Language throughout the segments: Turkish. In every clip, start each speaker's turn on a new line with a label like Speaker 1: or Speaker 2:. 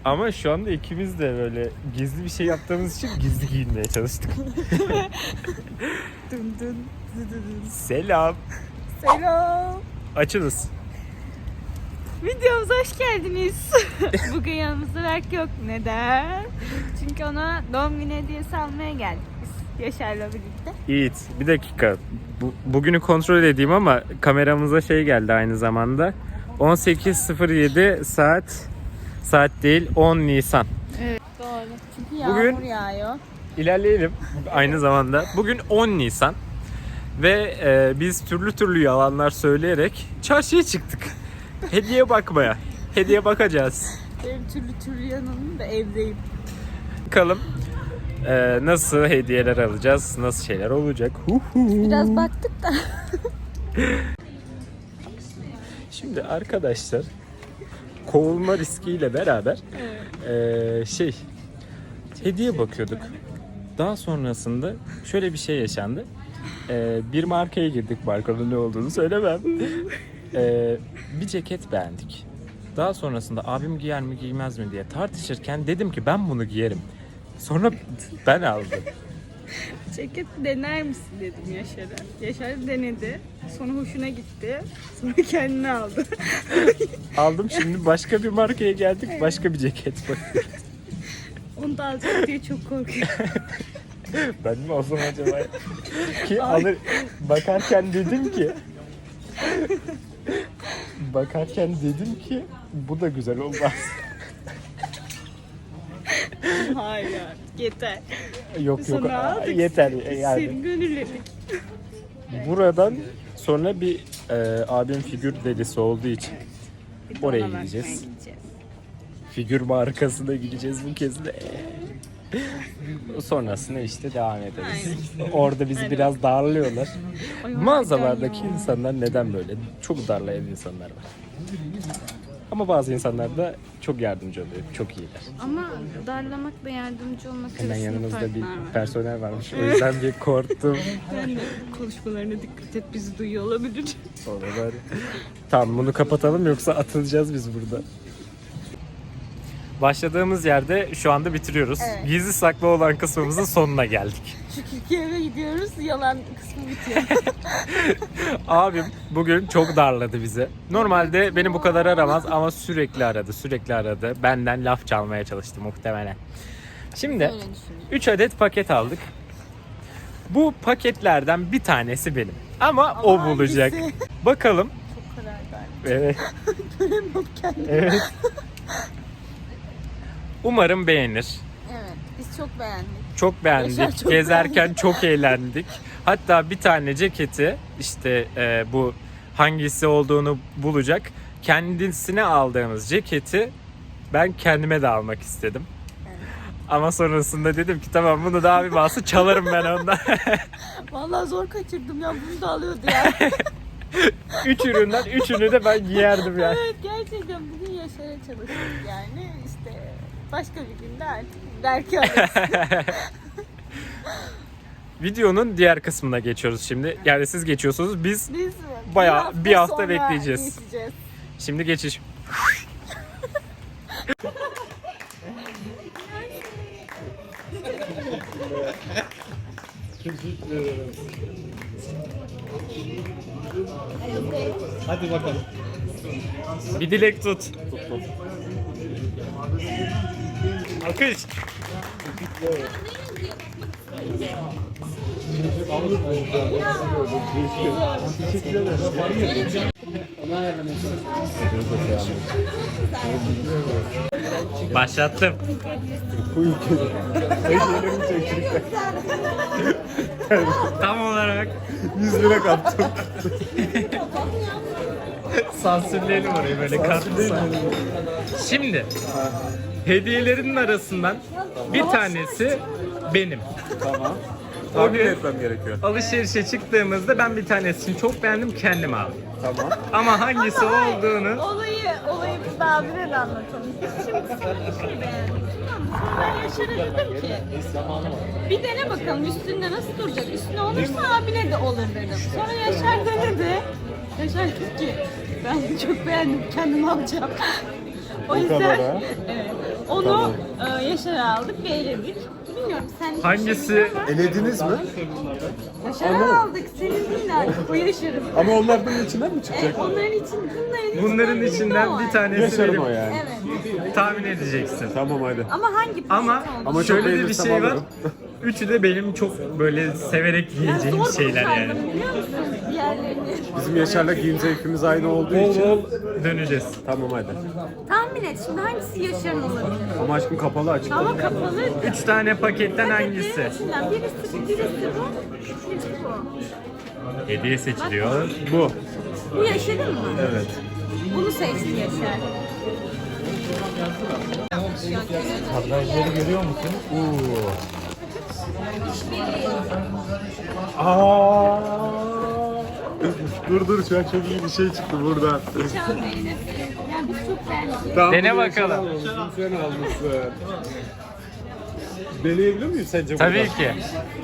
Speaker 1: Ama şu anda ikimiz de böyle gizli bir şey yaptığımız için gizli giyinmeye çalıştık.
Speaker 2: Dın dın dın dın.
Speaker 1: Selam.
Speaker 2: Selam.
Speaker 1: Açınız.
Speaker 2: Videomuza hoş geldiniz. Bugün yanımızda Berk yok. Neden? Çünkü ona doğum günü hediyesi almaya geldik biz Yaşar'la birlikte.
Speaker 1: Yiğit, bir dakika. Bugünü kontrol edeyim ama kameramıza şey geldi aynı zamanda. 18.07 saat değil 10 Nisan.
Speaker 2: Evet doğru. Çünkü yağmur
Speaker 1: Bugün
Speaker 2: yağıyor.
Speaker 1: İlerleyelim aynı zamanda. Bugün 10 Nisan ve biz türlü türlü yalanlar söyleyerek çarşıya çıktık. Hediye bakmaya. Hediye bakacağız.
Speaker 2: Benim türlü yanımda evdeyim.
Speaker 1: Bakalım nasıl hediyeler alacağız, nasıl şeyler olacak.
Speaker 2: Biraz baktık da.
Speaker 1: Şimdi arkadaşlar kovulma riskiyle beraber hediye bakıyorduk. Daha sonrasında şöyle bir şey yaşandı. Bir markaya girdik, markanın ne olduğunu söylemem. Bir ceket beğendik. Daha sonrasında abim giyer mi giymez mi diye tartışırken dedim ki ben bunu giyerim. Sonra ben aldım.
Speaker 2: Ceket dener misin dedim Yaşar'a. Yaşar denedi. Sonra hoşuna gitti. Sonra kendine aldı.
Speaker 1: Aldım, şimdi başka bir markaya geldik, başka bir ceket bakıyoruz.
Speaker 2: Onu da alacak diye çok korkuyorum.
Speaker 1: Ben mi olsam acaba? Ki alır, bakarken dedim ki bu da güzel olmaz.
Speaker 2: Hayır yeter.
Speaker 1: Yok
Speaker 2: Sonra aldık.
Speaker 1: yeter
Speaker 2: Senin
Speaker 1: yani.
Speaker 2: gönülledik.
Speaker 1: Buradan sonra bir abim figür delisi olduğu için
Speaker 2: Bir de
Speaker 1: oraya
Speaker 2: ona bakmaya
Speaker 1: gideceğiz.
Speaker 2: gideceğiz.
Speaker 1: Figür markasına gideceğiz bu kez de. Sonrasında işte devam ederiz. Orada bizi biraz darlıyorlar.
Speaker 2: Ay,
Speaker 1: Mağazalardaki
Speaker 2: harbiden ya.
Speaker 1: insanlar neden böyle? Çok darlayan insanlar var. Ama bazı insanlar da çok yardımcı oluyor. Çok iyiler.
Speaker 2: Ama darlamakla yardımcı olmak
Speaker 1: Hemen
Speaker 2: arasında
Speaker 1: yanımızda bir
Speaker 2: farklar var.
Speaker 1: personel varmış. O yüzden bir korktum.
Speaker 2: Ben de konuşmalarına dikkat et, bizi duyuyor olabilir.
Speaker 1: Oralar. Tamam, bunu kapatalım yoksa atılacağız biz burada. Başladığımız yerde şu anda bitiriyoruz.
Speaker 2: Evet.
Speaker 1: Gizli saklı olan kısmımızın sonuna geldik.
Speaker 2: Çünkü eve gidiyoruz, yalan kısmı bitiyor.
Speaker 1: Abim bugün çok darladı bizi. Normalde beni bu kadar aramaz ama sürekli aradı. Benden laf çalmaya çalıştı muhtemelen. Şimdi
Speaker 2: Öyle düşünüyorum.
Speaker 1: 3 adet paket aldık. Bu paketlerden bir tanesi benim. Ama o bulacak.
Speaker 2: hangisi?
Speaker 1: Bakalım.
Speaker 2: Çok karar verdim.
Speaker 1: Evet.
Speaker 2: Göremiyorum kendimi.
Speaker 1: Evet. Umarım beğenir.
Speaker 2: Evet, biz çok beğendik.
Speaker 1: Çok beğendik.
Speaker 2: Yaşar çok
Speaker 1: Gezerken
Speaker 2: beğendi.
Speaker 1: çok eğlendik. Hatta bir tane ceketi işte bu hangisi olduğunu bulacak. Kendisine aldığımız ceketi ben kendime de almak istedim.
Speaker 2: Evet.
Speaker 1: Ama sonrasında dedim ki tamam, bunu da abim alsın, çalarım ben ondan.
Speaker 2: Vallahi zor kaçırdım ya, bunu da alıyordu ya.
Speaker 1: 3 üründen 3'ünü de ben giyerdim yani.
Speaker 2: Evet, gerçekten bugün Yaşar'a çalıştık yani. İşte başka bir günde artık belki alırız.
Speaker 1: Videonun diğer kısmına geçiyoruz şimdi. Yani siz geçiyorsunuz, biz
Speaker 2: Biz
Speaker 1: bayağı bir hafta
Speaker 2: sonra
Speaker 1: bekleyeceğiz.
Speaker 2: geçeceğiz.
Speaker 1: Şimdi geçiş.
Speaker 3: Hadi bakalım.
Speaker 1: Bir dilek tut. Alkış. Başlattım. Tam olarak
Speaker 3: 100 lira kaptım.
Speaker 1: sansürleyelim orayı böyle katlısa. Şimdi hediyelerin arasından bir tanesi benim.
Speaker 3: Tamam.
Speaker 1: O
Speaker 3: Tahmin
Speaker 1: gün
Speaker 3: etmem gerekiyor.
Speaker 1: alışverişe çıktığımızda ben bir tanesini çok beğendim, kendime aldım.
Speaker 3: Tamam.
Speaker 1: Ama hangisi olduğunu
Speaker 2: Olayı biz de abine de anlatalım. Biz şimdi sana bir şey beğendik. Tamam mı? Sonra ben Yaşar'a dedim ki bir dene bakalım üstünde nasıl duracak. Üstüne olursa abine de olur dedim. Sonra Yaşar denedi. Yaşar dedi ki ben çok beğendim, kendim alacağım. O
Speaker 3: kadar
Speaker 2: yüzden
Speaker 3: ha?
Speaker 2: evet. O Onu
Speaker 3: Tamam.
Speaker 2: Yaşar'a aldık ve eledik. Bilmiyorum sen
Speaker 1: Hangisi?
Speaker 3: Elediniz mi?
Speaker 2: Yaşar'a aldık. Senin değil artık. O Yaşar'ın.
Speaker 3: Ama onlar bunun içinden mi çıkacak?
Speaker 2: Evet,
Speaker 1: Bunların içinden bir tanesi
Speaker 3: Yaşarım
Speaker 1: benim.
Speaker 3: o yani.
Speaker 2: Evet.
Speaker 1: Tahmin edeceksin.
Speaker 3: Tamam hadi.
Speaker 2: Ama hangi
Speaker 1: Ama
Speaker 3: Ama çok
Speaker 1: şöyle de bir
Speaker 3: beğenirsem
Speaker 1: şey var.
Speaker 3: alırım.
Speaker 1: Üçü de benim çok böyle severek yiyeceğim
Speaker 2: zor
Speaker 1: şeyler yani.
Speaker 2: kurtardım, biliyor musun diğerlerini?
Speaker 3: Bizim Yaşar'la giyim zevkimiz aynı olduğu
Speaker 1: Bol
Speaker 3: için.
Speaker 1: bol döneceğiz.
Speaker 3: Tamam hadi.
Speaker 2: Tahmin et şimdi hangisi Yaşar'ın olabilir?
Speaker 3: Ama aşkım kapalı açık.
Speaker 2: Ama kapalı.
Speaker 1: 3 tane paketten hangisi?
Speaker 2: İçinden birisi bu, birisi bu.
Speaker 1: Hediye seçiliyor.
Speaker 3: Bu.
Speaker 2: Bu Yaşar'ın mı?
Speaker 3: Evet.
Speaker 2: Bunu seçti Yaşar.
Speaker 1: Kadrajları görüyor musun?
Speaker 3: Aa! Dur şu an çok iyi bir şey çıktı buradan.
Speaker 2: Şan Bey'le. Yani biz çok beğendik.
Speaker 3: Tamam,
Speaker 1: Dene
Speaker 3: bunu
Speaker 1: bakalım.
Speaker 3: Yaşar almışsın, sen almışsın. Deneyebilir miyim sence
Speaker 1: Tabii
Speaker 3: buradan?
Speaker 1: ki.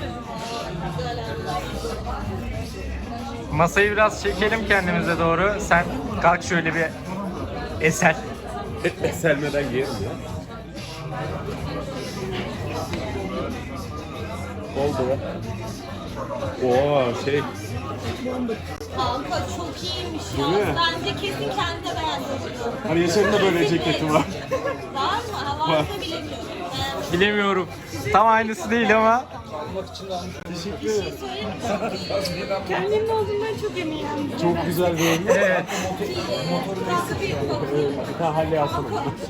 Speaker 1: Masayı biraz çekelim kendimize doğru. Sen kalk şöyle bir eser.
Speaker 3: Selmeden giyerim ya. Oldu. Oo şey.
Speaker 4: Kanka çok iyiymiş
Speaker 3: Değil
Speaker 4: ya.
Speaker 3: mi?
Speaker 4: Bence kesin kendi de beğendim.
Speaker 3: Hani Yaşar'ın da böyle ceketi var.
Speaker 4: Var mı? Ha, varsa bilemiyorum.
Speaker 1: Bilemiyorum. Tam aynısı değil ama.
Speaker 3: Teşekkür ederim.
Speaker 2: Kendimin olduğundan çok eminim.
Speaker 3: Çok güzel bir oyun.
Speaker 1: Evet.
Speaker 4: Kanka bir bakayım.
Speaker 3: Ha Halle alsana.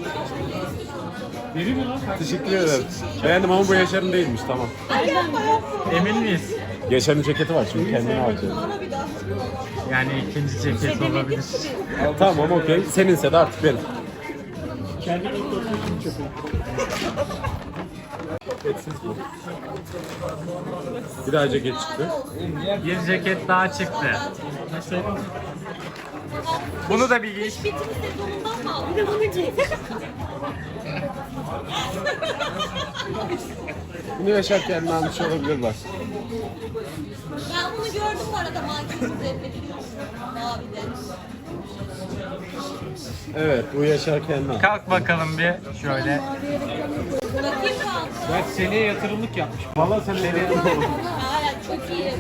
Speaker 3: Teşekkür ederim. Beğendim ama bu Yaşar'ın değilmiş tamam.
Speaker 1: Emin miyiz?
Speaker 3: Yaşar'ın ceketi var çünkü kendine alacağım.
Speaker 1: Yani ikinci ceket olabilir.
Speaker 3: Tamam okey. Seninse de artık benim. Etsiz bu. Bir daha ceket çıktı.
Speaker 1: Bir ceket daha çıktı. Bunu da bir giy.
Speaker 4: Bitim sezonundan mı aldın?
Speaker 2: Bir de bunu giy.
Speaker 3: Bunu Yaşar kendine almış olabilir bak.
Speaker 4: Ben bunu gördüm bu arada mankenin üzerinde biliyorsun. Mavide.
Speaker 3: Evet bu Yaşar kendine almış.
Speaker 1: Kalk bakalım bir şöyle.
Speaker 4: Bakayım kanka.
Speaker 3: Ben seneye yatırımlık yapmış. Valla sen nereye
Speaker 4: Hala çok iyi.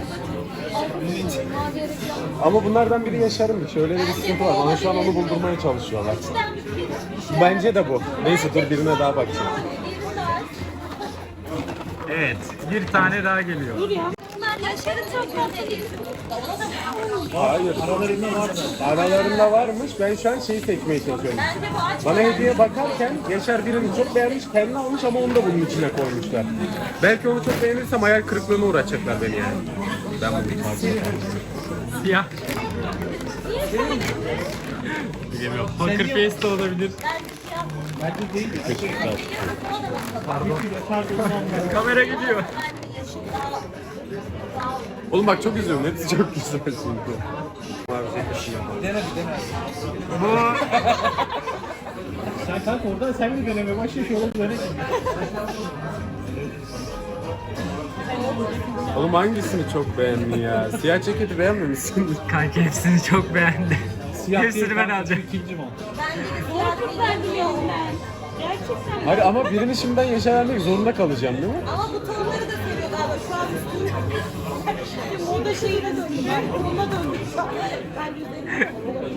Speaker 3: Ama bunlardan biri Yaşar'ınmış. Öyle bir sıkıntı var. Bana şu an onu buldurmaya çalışıyorlar.
Speaker 4: İçten bir film.
Speaker 3: Bence de bu. Neyse dur birine daha bakacağım.
Speaker 1: Evet. Bir tane daha geliyor.
Speaker 4: Bunlar Yaşar'ın çok tatlı.
Speaker 3: Hayır. Aralarında varmış. Ben şu an şeyi seçmeye çalışıyorum.
Speaker 4: Bence bu aç.
Speaker 3: Bana hediye bakarken Yaşar birini çok beğenmiş, kendine almış ama onu da bunun içine koymuşlar. Belki onu çok beğenirsem hayal kırıklığına uğraşacaklar beni yani. Ben bunu pardon.
Speaker 1: Siyah. Bilemiyorum. Poker face de olabilir. Kamera gidiyor.
Speaker 3: Oğlum bak çok üzüyorum. Hepsi çok güzel çünkü.
Speaker 1: Bu
Speaker 5: Sen kanka oradan sen mi deneme başla şu oğlum böyle.
Speaker 3: Oğlum hangisini çok beğendin ya? Siyah ceketi beğenmemişsin.
Speaker 1: kanki hepsini çok beğendi.
Speaker 5: Siyah
Speaker 1: Hepsini
Speaker 5: değil
Speaker 1: ben
Speaker 5: kanka,
Speaker 1: alacağım.
Speaker 5: İkinci mi?
Speaker 2: Ben biliyorum ben. Gerçekten.
Speaker 3: Hayır ama birini şimdiden Yaşar vermek zorunda kalacağım değil mi?
Speaker 4: Ama bu tonları da seviyor galiba şu an üstünde.
Speaker 2: Moda şeyine döndü. Ona döndü şu an. Ben güzelim.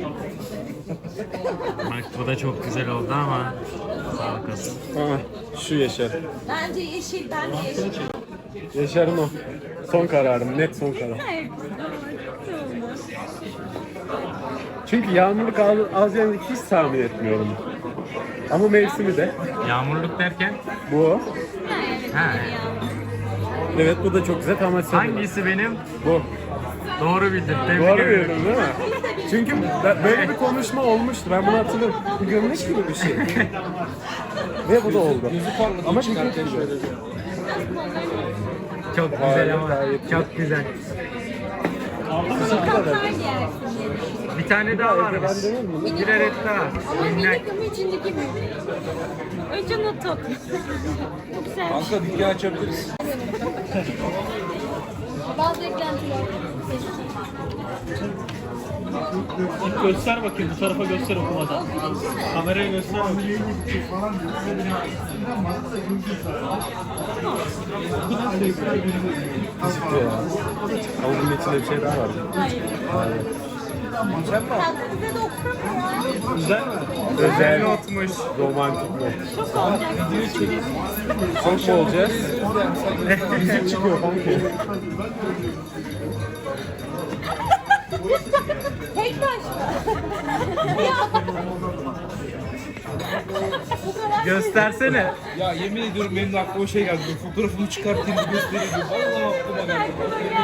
Speaker 1: Bak bu da çok güzel oldu ama sağlık olsun.
Speaker 3: Ha, şu Yaşar.
Speaker 4: Bence yeşil, ben de yeşil.
Speaker 3: Yaşar'ın o. Son kararım, net son karar. Çünkü yağmurluk alacağını hiç tahmin etmiyorum. Ama mevsimi de
Speaker 1: Yağmurluk derken
Speaker 3: bu.
Speaker 1: ha.
Speaker 3: Evet bu da çok güzel ama sen
Speaker 1: Hangisi benim?
Speaker 3: bu.
Speaker 1: Doğru bildin. Tebrik
Speaker 3: Doğru
Speaker 1: ederim.
Speaker 3: bildin değil mi? Çünkü böyle bir konuşma olmuştu. Ben bunu hatırlıyorum. Bu gömlek gibi bir şey. Ve bu da oldu. Ama ceket gibi.
Speaker 1: Çok güzel ama. Çok güzel.
Speaker 2: Kaplar giyersin.
Speaker 1: Bir tane daha varmış.
Speaker 3: Ben demem mi?
Speaker 1: Bir adet daha.
Speaker 2: Ama
Speaker 1: Minnak.
Speaker 2: minik ama içindeki büyük. Önce not top. Çok güzel.
Speaker 5: Kanka dükkan açabiliriz.
Speaker 4: Bazı eklentiler.
Speaker 5: Göster bakayım bu tarafa göster okumadan. Kameraya göster bakayım.
Speaker 3: Ama bunun içinde bir şey daha var.
Speaker 4: Kendinize de oksamıyor.
Speaker 5: Güzel mi?
Speaker 3: Özel notmuş. Romantik not. Çok mu olacağız? Müzik çıkıyor kanka.
Speaker 4: Tek taş mı?
Speaker 3: Göstersene.
Speaker 5: Ya yemin ediyorum benim de aklıma şey geldi. Fotoğrafını çıkartayım bir göstereyim. Vallahi aklıma geldi.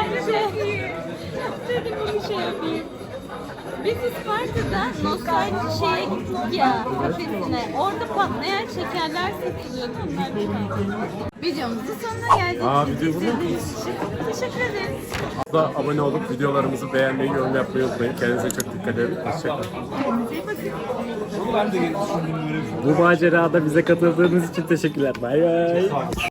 Speaker 2: Dedim bir şey yapayım. Biz Isparta'da nostalji şeye gittik ya, kafesine. Orada patlayan şekerler satılıyordu. Videomuzun sonuna geldik.
Speaker 3: Video bu mu?
Speaker 2: İzlediğiniz için teşekkür ederiz.
Speaker 3: Da abone olup videolarımızı beğenmeyi, yorum yapmayı unutmayın. Kendinize çok dikkat edin. Hoşçakalın.
Speaker 5: Ben de düşündüm böyle.
Speaker 1: Bu macerada bize katıldığınız için teşekkürler. Bay bay.